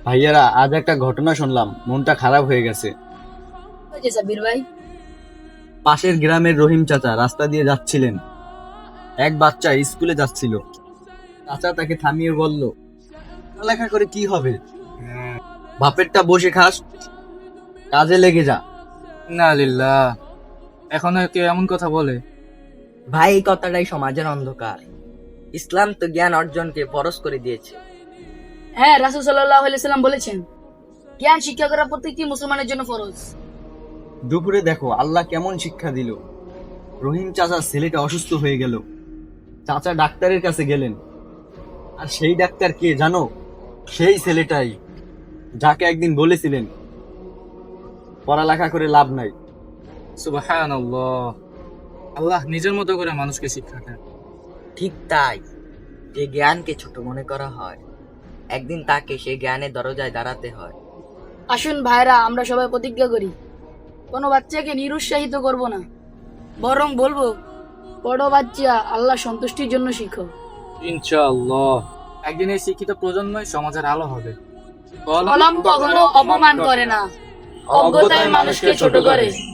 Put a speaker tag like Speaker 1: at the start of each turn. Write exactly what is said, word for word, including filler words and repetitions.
Speaker 1: ভাইয়ারা, আজ একটা ঘটনা শুনলাম, মনটা খারাপ হয়ে গেছে।
Speaker 2: হয়েছে সাব্বির ভাই?
Speaker 1: পাশের গ্রামের রহিম চাচা রাস্তা দিয়ে যাচ্ছিলেন। এক বাচ্চা স্কুলে যাচ্ছিল। চাচা তাকে থামিয়ে বলল, পড়ালেখা করে কি হবে? বাপেরটা বসে খাস, কাজে লেগে যা।
Speaker 3: না লিল্লাহ, এখনো কেউ এমন কথা বলে?
Speaker 4: ভাই, এই কথাটাই সমাজের অন্ধকার। ইসলাম তো জ্ঞান অর্জনকে ফরজ করে দিয়েছে।
Speaker 2: হ্যাঁ, রাসূল সাল্লাল্লাহু আলাইহি সাল্লাম বলেছেন, জ্ঞান শিক্ষা করা প্রত্যেকটি মুসলমানের জন্য ফরজ।
Speaker 1: দুপুরে দেখো আল্লাহ কেমন শিক্ষা দিল। রহিম চাচার ছেলেটা অসুস্থ হয়ে গেল। চাচা ডাক্তারের কাছে গেলেন। আর সেই ডাক্তার কে জানো? সেই ছেলেটাই যাকে একদিন বলেছিলেন পড়ালেখা করে লাভ নাই।
Speaker 3: সুবহানাল্লাহ, আল্লাহ নিজের মতো করে মানুষকে শিক্ষা দেন।
Speaker 4: ঠিক তাই, যে জ্ঞানকে ছোট মনে করা হয়, একদিন তাকে সেই জ্ঞানের দরজায় দাঁড়াতে হয়।
Speaker 2: আসুন ভাইরা, আমরা সবাই প্রতিজ্ঞা করি, কোনো বাচ্চাকে নিরুৎসাহিত করব না, বরং বলবো, পড়ো বাচ্চা, আল্লাহ সন্তুষ্টির জন্য শিখো।
Speaker 3: ইনশাআল্লাহ একদিন এই শিক্ষিত প্রজন্মই সমাজের আলো হবে।
Speaker 2: কলম কখনো অপমান করে না, অজ্ঞতায় মানুষকে ছোট করে।